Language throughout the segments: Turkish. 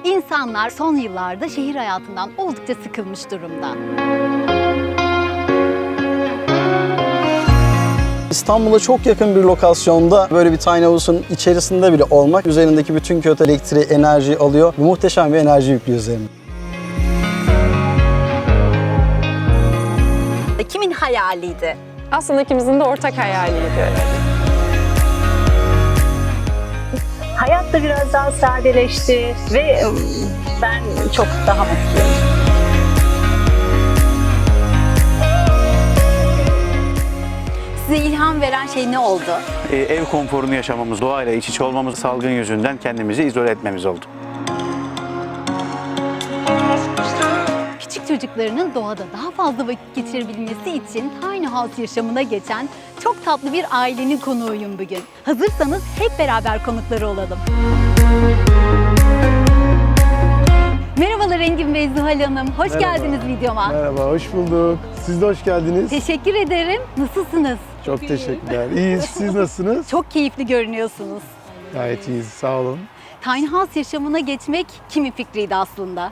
İnsanlar son yıllarda şehir hayatından oldukça sıkılmış durumda. İstanbul'a çok yakın bir lokasyonda böyle bir tiny house'un içerisinde bile olmak üzerindeki bütün kötü elektriği, enerjiyi alıyor ve muhteşem bir enerji yüklüyor üzerine. Kimin hayaliydi? Aslında ikimizin de ortak hayaliydi. Hayat da biraz daha sadeleşti ve ben çok daha mutluyum. Size ilham veren şey ne oldu? Ev konforunu yaşamamız, doğayla iç içe olmamız, salgın yüzünden kendimizi izole etmemiz oldu. Küçük çocuklarının doğada daha fazla vakit geçirebilmesi için tiny house yaşamına geçen çok tatlı bir ailenin konuğuyum bugün. Hazırsanız hep beraber konukları olalım. Merhabalar Engin Bey, Zuhal Hanım. Hoş Merhaba. geldiniz videoma. Merhaba, hoş bulduk. Siz de hoş geldiniz. Teşekkür ederim. Nasılsınız? Çok teşekkürler. İyiyiz. Siz nasılsınız? Çok keyifli görünüyorsunuz. Gayet iyiyiz. Sağ olun. Tiny house yaşamına geçmek kimin fikriydi aslında?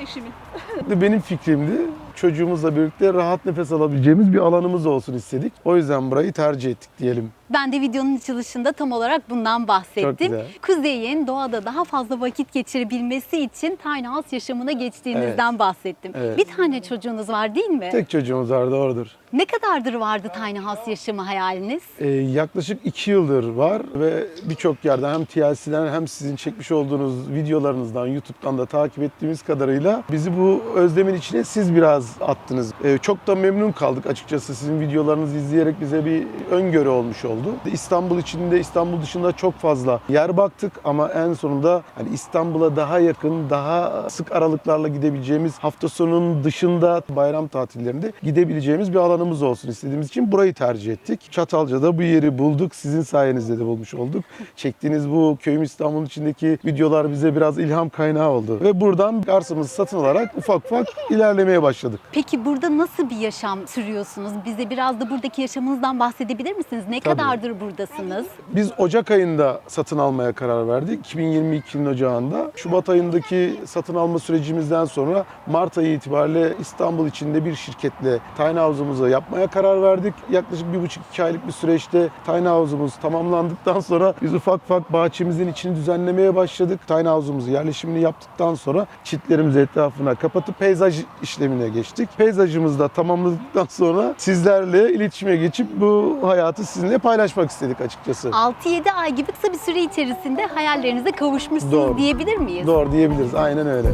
Benim fikrimdi. Çocuğumuzla birlikte rahat nefes alabileceğimiz bir alanımız olsun istedik. O yüzden burayı tercih ettik diyelim. Ben de videonun açılışında tam olarak bundan bahsettim. Çok güzel. Kuzey'in doğada daha fazla vakit geçirebilmesi için tiny house yaşamına geçtiğinizden bahsettim. Evet. Bir tane çocuğunuz var değil mi? Tek çocuğumuz var, doğrudur. Ne kadardır vardı tiny house yaşamı hayaliniz? Yaklaşık 2 yıldır var ve birçok yerden hem TLC'den hem sizin çekmiş olduğunuz videolarınızdan, YouTube'dan da takip ettiğimiz kadarıyla bizi bu özlemin içine siz biraz attınız. Çok da memnun kaldık açıkçası. Sizin videolarınızı izleyerek bize bir öngörü olmuş oldu. İstanbul içinde, İstanbul dışında çok fazla yer baktık ama en sonunda hani İstanbul'a daha yakın, daha sık aralıklarla gidebileceğimiz, hafta sonunun dışında bayram tatillerinde gidebileceğimiz bir alanımız olsun istediğimiz için burayı tercih ettik. Çatalca'da bu yeri bulduk. Sizin sayenizde de bulmuş olduk. Çektiğiniz bu Köyüm İstanbul'un içindeki videolar bize biraz ilham kaynağı oldu. Ve buradan arsamızı satın alarak ufak ufak ilerlemeye başladık. Peki burada nasıl bir yaşam sürüyorsunuz? Bize biraz da buradaki yaşamınızdan bahsedebilir misiniz? Ne Tabii. kadardır buradasınız? Biz Ocak ayında satın almaya karar verdik. 2022'nin Ocağı'nda. Şubat ayındaki satın alma sürecimizden sonra Mart ayı itibariyle İstanbul içinde bir şirketle tiny house'umuzu yapmaya karar verdik. Yaklaşık 1,5-2 aylık bir süreçte tiny house'umuz tamamlandıktan sonra biz ufak ufak bahçemizin içini düzenlemeye başladık. Tiny house'umuzu yerleşimini yaptıktan sonra çitlerimizi etrafına kapatıp peyzaj işlemine geçtik. Peyzajımızı da tamamladıktan sonra sizlerle iletişime geçip bu hayatı sizinle paylaşmak istedik açıkçası. 6-7 ay gibi kısa bir süre içerisinde hayallerinize kavuşmuşsunuz Doğru. diyebilir miyiz? Doğru diyebiliriz. Aynen öyle.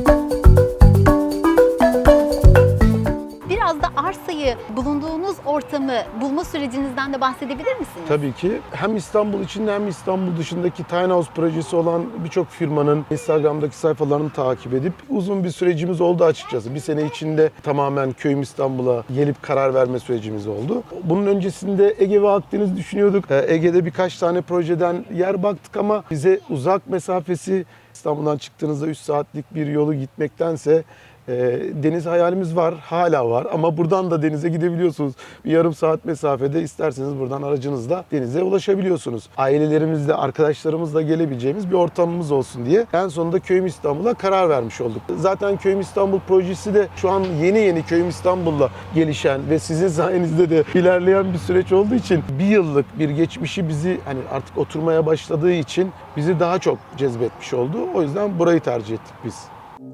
Biraz da arsayı, bulunduğunuz ortamı bulma sürecinizden de bahsedebilir misiniz? Tabii ki. Hem İstanbul içinde hem İstanbul dışındaki tiny house projesi olan birçok firmanın Instagram'daki sayfalarını takip edip uzun bir sürecimiz oldu açıkçası. Bir sene içinde tamamen Köyüm İstanbul'a gelip karar verme sürecimiz oldu. Bunun öncesinde Ege ve Akdeniz düşünüyorduk. Ege'de birkaç tane projeden yer baktık ama bize uzak mesafesi İstanbul'dan çıktığınızda 3 saatlik bir yolu gitmektense deniz hayalimiz var, hala var ama buradan da denize gidebiliyorsunuz. Bir yarım saat mesafede isterseniz buradan aracınızla denize ulaşabiliyorsunuz. Ailelerimizle, arkadaşlarımızla gelebileceğimiz bir ortamımız olsun diye en sonunda Köyüm İstanbul'a karar vermiş olduk. Zaten Köyüm İstanbul projesi de şu an yeni Köyüm İstanbul'la gelişen ve sizin sayenizde de ilerleyen bir süreç olduğu için bir yıllık bir geçmişi bizi hani artık oturmaya başladığı için bizi daha çok cezbetmiş oldu. O yüzden burayı tercih ettik biz.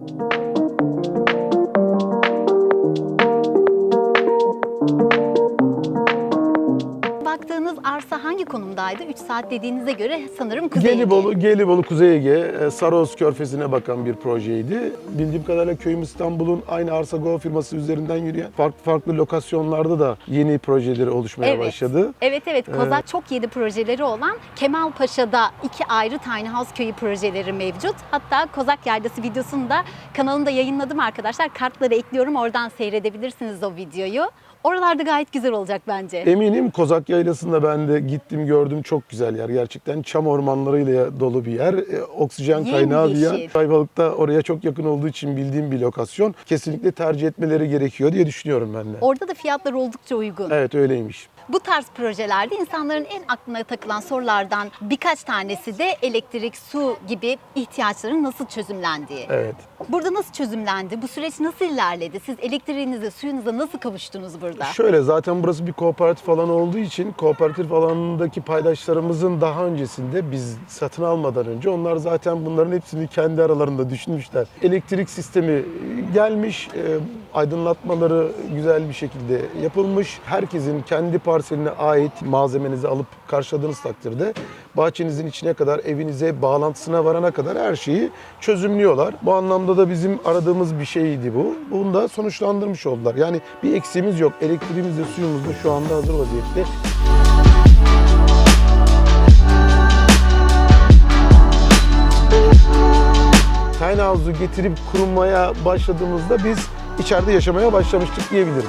Baktığınız arsa hangi konumdaydı? 3 saat dediğinize göre sanırım Kuzey Ege. Gelibolu, Kuzey Ege, Saros Körfezi'ne bakan bir projeydi. Bildiğim kadarıyla Köyüm İstanbul'un aynı Arsa Go firması üzerinden yürüyen farklı lokasyonlarda da yeni projeleri oluşmaya başladı. Evet. Kozak çok yedi projeleri olan Kemalpaşa'da 2 ayrı tiny house köyü projeleri mevcut. Hatta Kozak Yaylası videosunu da kanalımda yayınladım arkadaşlar. Kartları ekliyorum, oradan seyredebilirsiniz o videoyu. Oralarda gayet güzel olacak bence. Eminim Kozak Yaylası'nda ben de gittim, gördüm. Çok güzel yer gerçekten. Çam ormanlarıyla dolu bir yer. Oksijen kaynağı bir yer. Ayvalık da oraya çok yakın olduğu için bildiğim bir lokasyon. Kesinlikle tercih etmeleri gerekiyor diye düşünüyorum ben de. Orada da fiyatlar oldukça uygun. Evet, öyleymiş. Bu tarz projelerde insanların en aklına takılan sorulardan birkaç tanesi de elektrik, su gibi ihtiyaçların nasıl çözümlendiği. Evet. Burada nasıl çözümlendi? Bu süreç nasıl ilerledi? Siz elektriğinize, suyunuza nasıl kavuştunuz burada? Şöyle, zaten burası bir kooperatif alan olduğu için kooperatif alanındaki paydaşlarımızın daha öncesinde biz satın almadan önce onlar zaten bunların hepsini kendi aralarında düşünmüşler. Elektrik sistemi gelmiş, aydınlatmaları güzel bir şekilde yapılmış. Herkesin kendi parseline ait malzemenizi alıp karşıladığınız takdirde bahçenizin içine kadar, evinize, bağlantısına varana kadar her şeyi çözümlüyorlar. Bu anlamda da bizim aradığımız bir şeydi bu. Bunu da sonuçlandırmış oldular. Yani bir eksiğimiz yok. Elektriğimiz de suyumuz da şu anda hazır vaziyette. Tiny House'u getirip kurmaya başladığımızda biz içeride yaşamaya başlamıştık diyebilirim.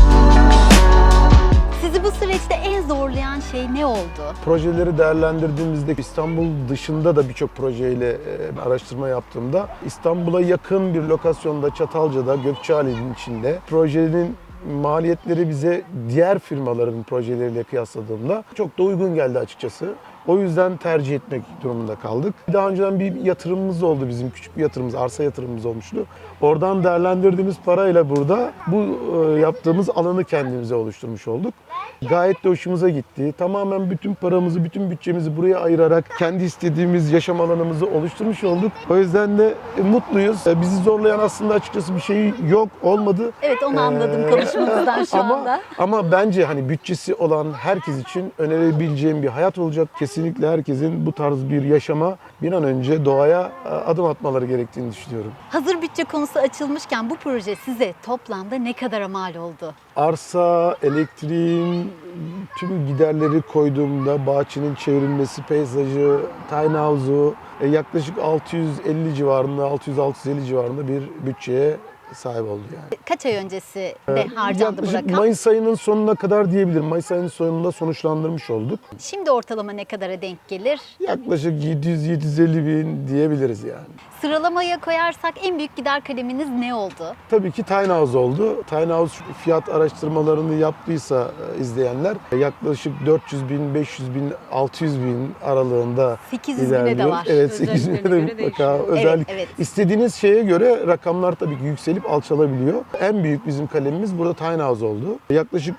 Sizi bu süreçte en zorlayan şey ne oldu? Projeleri değerlendirdiğimizde İstanbul dışında da birçok projeyle araştırma yaptığımda İstanbul'a yakın bir lokasyonda Çatalca'da Gökçeali'nin içinde projenin maliyetleri bize diğer firmaların projeleriyle kıyasladığımda çok da uygun geldi açıkçası. O yüzden tercih etmek durumunda kaldık. Daha önceden bir yatırımımız oldu, bizim küçük bir yatırımımız, arsa yatırımımız olmuştu. Oradan değerlendirdiğimiz parayla burada bu yaptığımız alanı kendimize oluşturmuş olduk. Gayet de hoşumuza gitti. Tamamen bütün paramızı, bütün bütçemizi buraya ayırarak kendi istediğimiz yaşam alanımızı oluşturmuş olduk. O yüzden de mutluyuz. Bizi zorlayan aslında açıkçası bir şey yok, olmadı. Evet, onu anladım konuşmanızdan şu anda. Ama bence hani bütçesi olan herkes için önerebileceğim bir hayat olacak. Kesinlikle herkesin bu tarz bir yaşama bir an önce doğaya adım atmaları gerektiğini düşünüyorum. Hazır bütçe konusu açılmışken bu proje size toplamda ne kadar mal oldu? Arsa, elektriğin tüm giderleri koyduğumda bahçenin çevrilmesi, peyzajı, tiny house'u yaklaşık 650 civarında, 600-650 civarında bir bütçeye sahip oldu yani. Kaç ay öncesi de harcandı bu Yaklaşık rakam? Mayıs ayının sonuna kadar diyebilirim. Mayıs ayının sonunda sonuçlandırmış olduk. Şimdi ortalama ne kadara denk gelir? Yaklaşık 700-750 bin diyebiliriz yani. Sıralamaya koyarsak en büyük gider kaleminiz ne oldu? Tabii ki Tiny House oldu. Tiny House fiyat araştırmalarını yaptıysa izleyenler yaklaşık 400 bin, 500 bin, 600 bin aralığında 800 bine de ilerliyor. var. Evet, 800 bine de mutlaka. Özellikle evet. istediğiniz şeye göre rakamlar tabii ki yükselip alçalabiliyor. En büyük bizim kalemimiz burada Tiny House oldu. Yaklaşık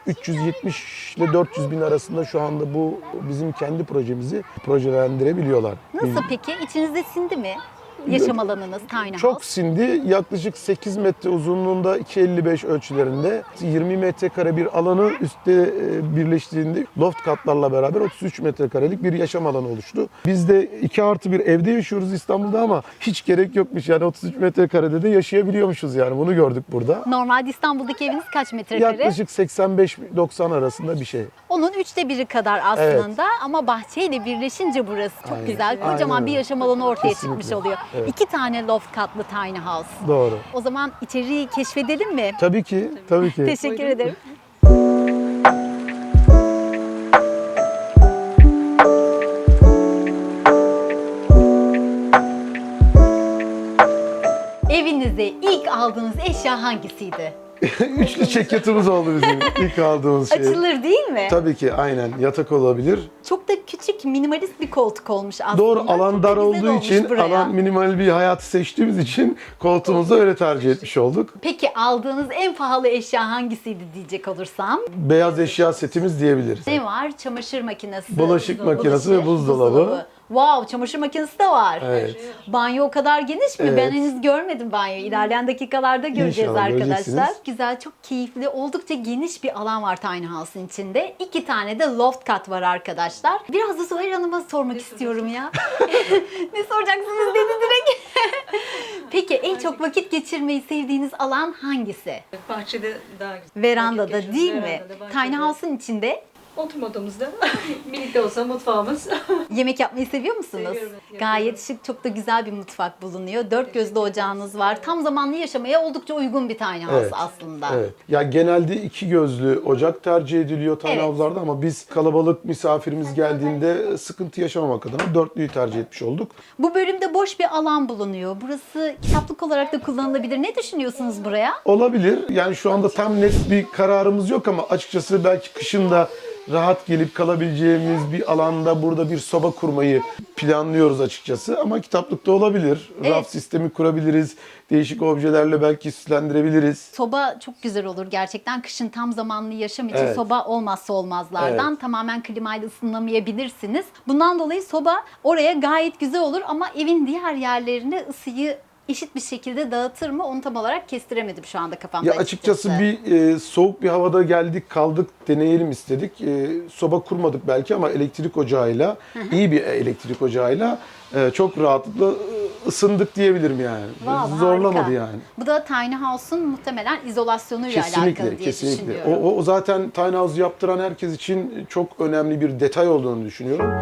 370 ile 400 bin arasında şu anda bu bizim kendi projemizi projelendirebiliyorlar. Nasıl peki? İçinizde sindi mi? Yaşam alanınız Tiny Çok House. sindi. Yaklaşık 8 metre uzunluğunda 2.55 ölçülerinde 20 metrekare bir alanı üstte birleştiğinde loft katlarla beraber 33 metrekarelik bir yaşam alanı oluştu. Biz de 2+1 evde yaşıyoruz İstanbul'da ama hiç gerek yokmuş. Yani 33 metrekarede de yaşayabiliyormuşuz yani. Bunu gördük burada. Normalde İstanbul'daki eviniz kaç metrekare? Yaklaşık 85-90 arasında bir şey. Onun 1/3'ü kadar aslında ama bahçeyle birleşince burası çok Aynen. güzel. Kocaman Aynen bir öyle. yaşam alanı ortaya Kesinlikle. çıkmış oluyor. Evet. 2 tane loft katlı tiny house. Doğru. O zaman içeriği keşfedelim mi? Tabii ki, tabii ki. Teşekkür ederim. Evinize ilk aldığınız eşya hangisiydi? Üçlü çekyatımız oldu bizim ilk aldığımız şey. Açılır değil mi? Tabii ki aynen. Yatak olabilir. Çok da küçük, minimalist bir koltuk olmuş aslında. Doğru, alan Çok da dar güzel olduğu olmuş için, buraya. alan minimal bir hayatı seçtiğimiz için koltuğumuzu öyle tercih etmiş olduk. Peki aldığınız en pahalı eşya hangisiydi diyecek olursam? Beyaz eşya setimiz diyebiliriz. Ne var? Çamaşır makinesi, Bulaşık makinesi ve buzdolabı. Wow, çamaşır makinesi de var. Evet. Banyo o kadar geniş mi? Evet. Ben henüz görmedim banyoyu. İlerleyen dakikalarda göreceğiz İnşallah arkadaşlar. göreceksiniz. Güzel, çok keyifli, oldukça geniş bir alan var Tiny House'ın içinde. 2 tane de loft kat var arkadaşlar. Biraz da Zuhal Hanım'a sormak istiyorum ya. Ne soracaksınız dedi direkt. Peki en çok vakit geçirmeyi sevdiğiniz alan hangisi? Bahçede daha güzel. Verandada Vakit değil mi? geçiriyoruz. Verandada, Tiny bahçede. House'ın içinde Oturma odamızda. Minik de olsa mutfağımız. yemek yapmayı seviyor musunuz? Seviyorum, evet, Gayet şık, çok da güzel bir mutfak bulunuyor. 4 gözlü ocağınız var. Tam zamanlı yaşamaya oldukça uygun bir tiny house Evet. aslında. Evet. Ya genelde 2 gözlü ocak tercih ediliyor tiny Evet. house'larda ama biz kalabalık misafirimiz geldiğinde sıkıntı yaşamamak adına dörtlüyü tercih etmiş olduk. Bu bölümde boş bir alan bulunuyor. Burası kitaplık olarak da kullanılabilir. Ne düşünüyorsunuz buraya? Olabilir. Yani şu anda tam net bir kararımız yok ama açıkçası belki kışın da rahat gelip kalabileceğimiz bir alanda burada bir soba kurmayı planlıyoruz açıkçası. Ama kitaplıkta olabilir. Evet. Raf sistemi kurabiliriz. Değişik objelerle belki süslendirebiliriz. Soba çok güzel olur gerçekten. Kışın tam zamanlı yaşam için Evet. soba olmazsa olmazlardan. Evet. Tamamen klimayla ısınamayabilirsiniz. Bundan dolayı soba oraya gayet güzel olur ama evin diğer yerlerine ısıyı eşit bir şekilde dağıtır mı? Onu tam olarak kestiremedim şu anda kafamda. Ya açıkçası bir soğuk bir havada geldik kaldık deneyelim istedik. Soba kurmadık belki ama elektrik ocağıyla, iyi bir elektrik ocağıyla çok rahatlıkla ısındık diyebilirim yani. Wow, Zorlamadı harika. yani. Bu da tiny house'un muhtemelen izolasyonuyla alakalı Kesinlikle, diye kesinlikle. düşünüyorum. O zaten tiny house yaptıran herkes için çok önemli bir detay olduğunu düşünüyorum.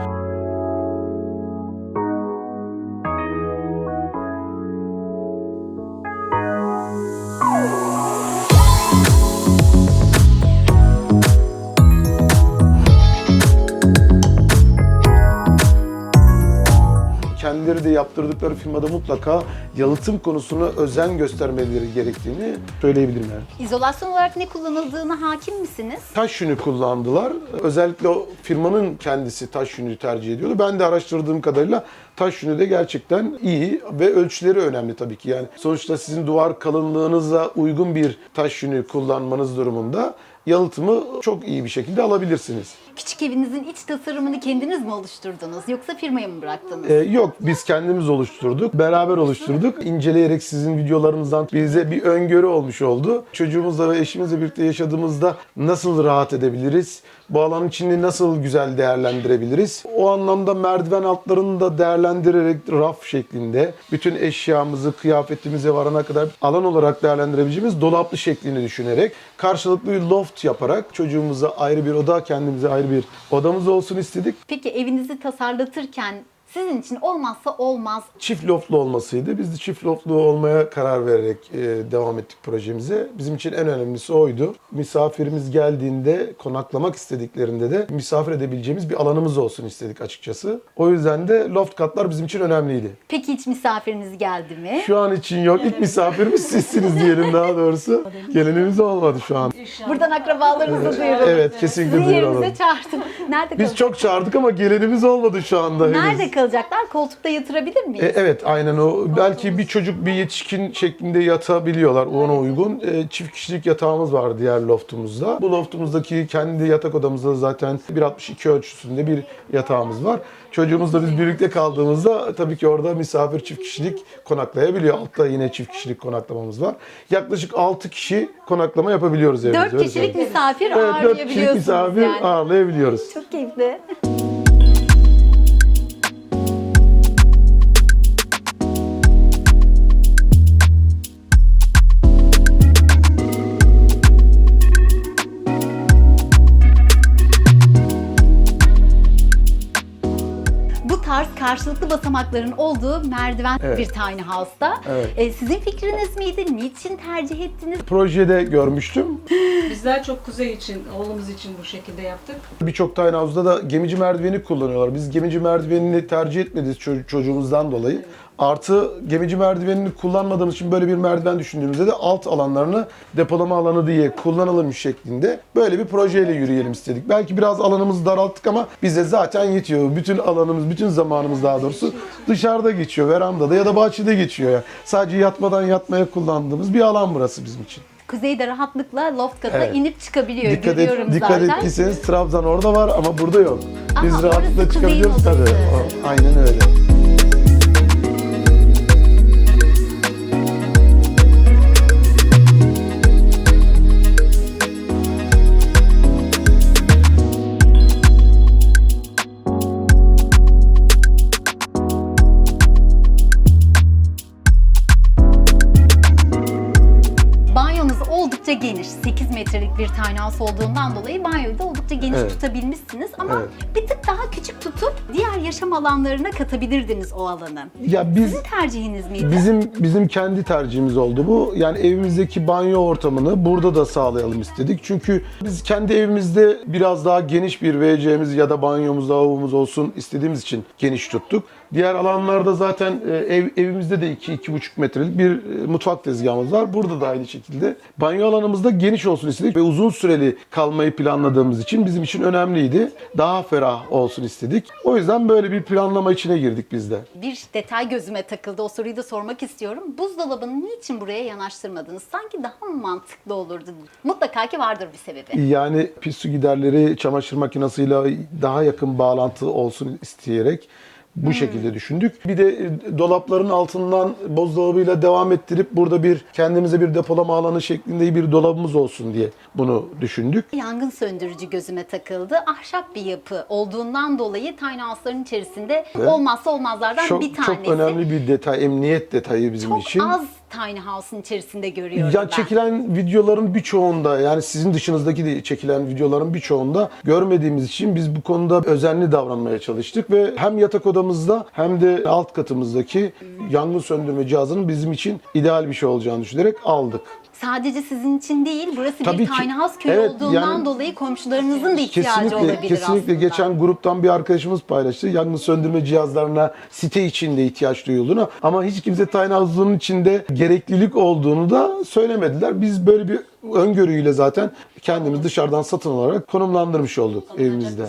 Kendileri de yaptırdıkları firmada mutlaka yalıtım konusuna özen göstermeleri gerektiğini söyleyebilirim yani. İzolasyon olarak ne kullanıldığına hakim misiniz? Taş yünü kullandılar. Özellikle o firmanın kendisi taş yünü tercih ediyordu. Ben de araştırdığım kadarıyla taş yünü de gerçekten iyi ve ölçüleri önemli tabii ki. Yani sonuçta sizin duvar kalınlığınıza uygun bir taş yünü kullanmanız durumunda yalıtımı çok iyi bir şekilde alabilirsiniz. Küçük evinizin iç tasarımını kendiniz mi oluşturdunuz yoksa firmaya mı bıraktınız? Yok, biz kendimiz oluşturduk, beraber oluşturduk. İnceleyerek sizin videolarınızdan bize bir öngörü olmuş oldu. Çocuğumuzla ve eşimizle birlikte yaşadığımızda nasıl rahat edebiliriz? Bu alanın içini nasıl güzel değerlendirebiliriz? O anlamda merdiven altlarını da değerlendirerek raf şeklinde bütün eşyamızı, kıyafetimize varana kadar alan olarak değerlendirebileceğimiz dolaplı şeklini düşünerek karşılıklı bir loft yaparak çocuğumuza ayrı bir oda, kendimize ayrı bir odamız olsun istedik. Peki evinizi tasarlatırken sizin için olmazsa olmaz Çift loftlu olmasıydı. Biz de çift loftlu olmaya karar vererek devam ettik projemize. Bizim için en önemlisi oydu. Misafirimiz geldiğinde, konaklamak istediklerinde de misafir edebileceğimiz bir alanımız olsun istedik açıkçası. O yüzden de loft katlar bizim için önemliydi. Peki hiç misafiriniz geldi mi? Şu an için yok. İlk misafirimiz sizsiniz diyelim daha doğrusu. Gelenimiz olmadı şu an. Buradan akrabalarınızı duyurun. Evet, kesinlikle Sizi duyuralım. yerinize çağırdım. Nerede Biz kalacak? çok çağırdık ama gelenimiz olmadı şu anda henüz. Nerede kalacaklar? Koltukta yatırabilir miyiz? Evet, aynen o. Belki bir çocuk bir yetişkin şeklinde yatabiliyorlar ona uygun. Çift kişilik yatağımız var diğer loftumuzda. Bu loftumuzdaki kendi yatak odamızda zaten 1.62 ölçüsünde bir yatağımız var. Çocuğumuzla biz birlikte kaldığımızda tabii ki orada misafir çift kişilik konaklayabiliyor. Altta yine çift kişilik konaklamamız var. Yaklaşık 6 kişi konaklama yapabiliyoruz evimizde. 4 öyle kişilik söyleyeyim. misafir Evet, 4 kişilik ağırlayabiliyorsunuz misafir yani. ağırlayabiliyoruz. Çok keyifli. Bu tarz karşılıklı basamakların olduğu merdiven Evet. bir tiny house'da. Evet. Sizin fikriniz miydi? Niçin tercih ettiniz? Projede görmüştüm. Bizler çok kuzey için, oğlumuz için bu şekilde yaptık. Birçok tiny house'da da gemici merdiveni kullanıyorlar. Biz gemici merdivenini tercih etmedik çocuğumuzdan dolayı. Artı gemici merdivenini kullanmadığımız için böyle bir merdiven düşündüğümüzde de alt alanlarını depolama alanı diye kullanalım şeklinde böyle bir projeyle yürüyelim istedik. Belki biraz alanımızı daralttık ama bize zaten yetiyor. Bütün alanımız, bütün zamanımız daha doğrusu dışarıda geçiyor. Verandada ya da bahçede geçiyor. Yani. Sadece yatmadan yatmaya kullandığımız bir alan burası bizim için. Kuzeyde rahatlıkla loft katına Evet. inip çıkabiliyor. Dikkat, Görüyorum dikkat zaten. ettiyseniz Trabzon orada var ama burada yok. Biz Aha, rahatlıkla orası çıkabiliyoruz kuzeyin tabii. odası. Aynen öyle. Banyonuz oldukça geniş. 8 metrelik bir tiny house olduğundan dolayı banyoyu da oldukça geniş Evet. tutabilmişsiniz. Ama Evet. bir tık daha küçük tutup diğer yaşam alanlarına katabilirdiniz o alanı. Ya biz Sizin tercihiniz miydi? Bizim kendi tercihimiz oldu bu. Yani evimizdeki banyo ortamını burada da sağlayalım istedik. Çünkü biz kendi evimizde biraz daha geniş bir WC'miz ya da banyomuz, lavabomuz olsun istediğimiz için geniş tuttuk. Diğer alanlarda zaten evimizde de 2-2,5 metrelik bir mutfak tezgahımız var. Burada da aynı şekilde. Banyo alanımız da geniş olsun olsun istedik ve uzun süreli kalmayı planladığımız için bizim için önemliydi. Daha ferah olsun istedik. O yüzden böyle bir planlama içine girdik biz de. Bir detay gözüme takıldı. O soruyu da sormak istiyorum. Buzdolabını niçin buraya yanaştırmadınız? Sanki daha mı mantıklı olurdu? Mutlaka ki vardır bir sebebi. Yani pis su giderleri çamaşır makinesiyle daha yakın bağlantı olsun isteyerek bu şekilde düşündük. Bir de dolapların altından buzdolabıyla devam ettirip burada bir kendimize bir depolama alanı şeklinde bir dolabımız olsun diye bunu düşündük. Yangın söndürücü gözüme takıldı. Ahşap bir yapı olduğundan dolayı tiny house'ların içerisinde olmazsa olmazlardan bir tanesi. Çok önemli bir detay, emniyet detayı bizim Çok için. az tiny house'un içerisinde görüyorum Ya ben. çekilen videoların birçoğunda, yani sizin dışınızdaki de çekilen videoların birçoğunda görmediğimiz için biz bu konuda özenli davranmaya çalıştık ve hem yatak odamızda hem de alt katımızdaki yangın söndürme cihazının bizim için ideal bir şey olacağını düşünerek aldık. Sadece sizin için değil, burası Tabii bir ki. tiny house köyü Evet, olduğundan yani dolayı komşularınızın da ihtiyacı olabilir Kesinlikle aslında. geçen gruptan bir arkadaşımız paylaştı. Yangın söndürme cihazlarına site içinde ihtiyaç duyulduğunu ama hiç kimse tiny house'un içinde gereklilik olduğunu da söylemediler. Biz böyle bir öngörüyle zaten kendimiz dışarıdan satın alarak konumlandırmış olduk evimizde.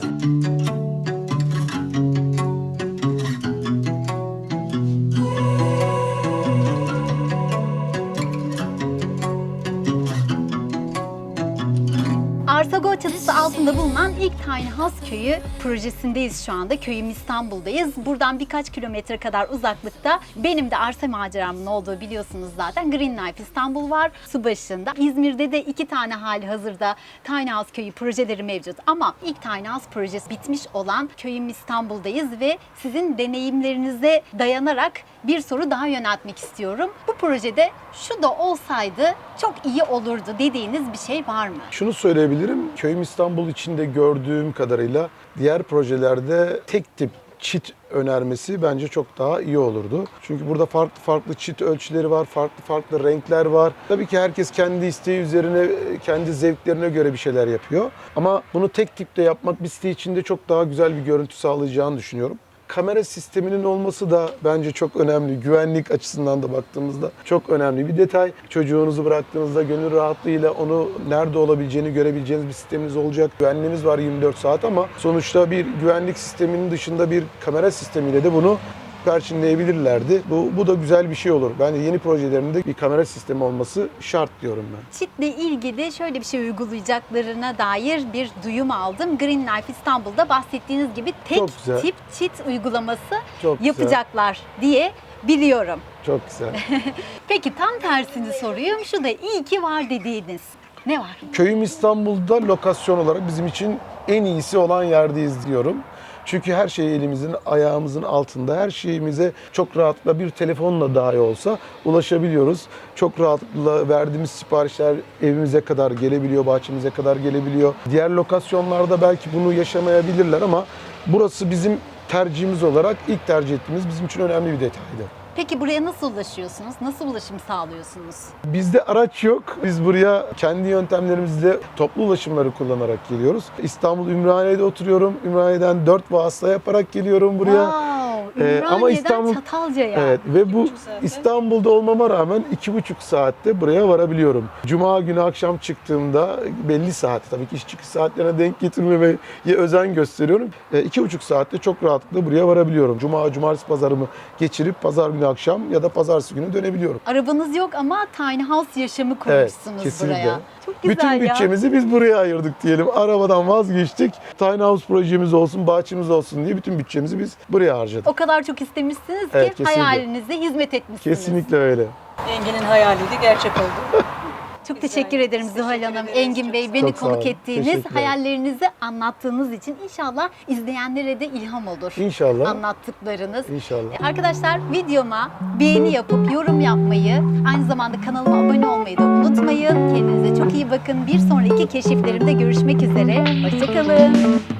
Arsago çatısı altında bulunan ilk tiny house köyü projesindeyiz şu anda. Köyüm İstanbul'dayız. Buradan birkaç kilometre kadar uzaklıkta benim de arsa maceramın olduğu biliyorsunuz zaten. Green Life İstanbul var su başında. İzmir'de de 2 tane hali hazırda tiny house köyü projeleri mevcut. Ama ilk tiny house projesi bitmiş olan köyüm İstanbul'dayız ve sizin deneyimlerinize dayanarak bir soru daha yöneltmek istiyorum. Bu projede şu da olsaydı çok iyi olurdu dediğiniz bir şey var mı? Şunu söyleyebilirim, Köyüm İstanbul içinde gördüğüm kadarıyla diğer projelerde tek tip çit önermesi bence çok daha iyi olurdu. Çünkü burada farklı farklı çit ölçüleri var, farklı farklı renkler var. Tabii ki herkes kendi isteği üzerine, kendi zevklerine göre bir şeyler yapıyor. Ama bunu tek tipte yapmak bir site içinde çok daha güzel bir görüntü sağlayacağını düşünüyorum. Kamera sisteminin olması da bence çok önemli. Güvenlik açısından da baktığımızda çok önemli bir detay. Çocuğunuzu bıraktığınızda gönül rahatlığıyla onu nerede olabileceğini görebileceğiniz bir sisteminiz olacak. Güvenliğiniz var 24 saat ama sonuçta bir güvenlik sisteminin dışında bir kamera sistemiyle de bunu perçinleyebilirlerdi. Bu da güzel bir şey olur. Bence yeni projelerimde bir kamera sistemi olması şart diyorum ben. Çitle ilgili şöyle bir şey uygulayacaklarına dair bir duyum aldım. Green Life İstanbul'da bahsettiğiniz gibi tek Çok güzel. tip çit uygulaması Çok güzel. yapacaklar diye biliyorum. Çok güzel. Peki tam tersini soruyorum. Şu da iyi ki var dediğiniz. Ne var? Köyüm İstanbul'da lokasyon olarak bizim için en iyisi olan yerdeyiz diyorum. Çünkü her şey elimizin, ayağımızın altında. Her şeyimize çok rahatlıkla bir telefonla dahi olsa ulaşabiliyoruz. Çok rahatlıkla verdiğimiz siparişler evimize kadar gelebiliyor, bahçemize kadar gelebiliyor. Diğer lokasyonlarda belki bunu yaşamayabilirler ama burası bizim tercihimiz olarak ilk tercih ettiğimiz bizim için önemli bir detaydı. Peki buraya nasıl ulaşıyorsunuz? Nasıl ulaşım sağlıyorsunuz? Bizde araç yok. Biz buraya kendi yöntemlerimizle toplu ulaşımları kullanarak geliyoruz. İstanbul Ümraniye'de oturuyorum. Ümraniye'den 4 vasıta yaparak geliyorum buraya. Wow, Ümraniye'den ama İstanbul Çatalca'ya. Evet ve bu İstanbul'da olmama rağmen 2,5 saatte buraya varabiliyorum. Cuma günü akşam çıktığımda belli saat, tabii ki iş çıkış saatlerine denk getirmemeye özen gösteriyorum. 2,5 saatte çok rahatlıkla buraya varabiliyorum. Cuma, cumartesi pazarımı geçirip pazar günü akşam ya da pazartesi günü dönebiliyorum. Arabanız yok ama tiny house yaşamı Evet, kurmuşsunuz kesinlikle. buraya. Çok güzel Bütün ya. bütçemizi biz buraya ayırdık diyelim. Arabadan vazgeçtik. Tiny House projemiz olsun, bahçemiz olsun diye bütün bütçemizi biz buraya harcadık. O kadar çok istemişsiniz ki Evet, kesinlikle. hayalinize hizmet etmişsiniz. Kesinlikle öyle. Engin'in hayaliydi, gerçek oldu. Çok teşekkür ederim Zuhal Hanım, Engin Bey beni Çok sağ olun. konuk ettiğiniz, Teşekkürler. hayallerinizi anlattığınız için inşallah izleyenlere de ilham olur. İnşallah. Anlattıklarınız. İnşallah. Arkadaşlar videoma beğeni yapıp yorum yapmayı, aynı zamanda kanalıma abone olmayı da unutmayın. Kendinize çok iyi bakın. Bir sonraki keşiflerimde görüşmek üzere. Hoşça kalın.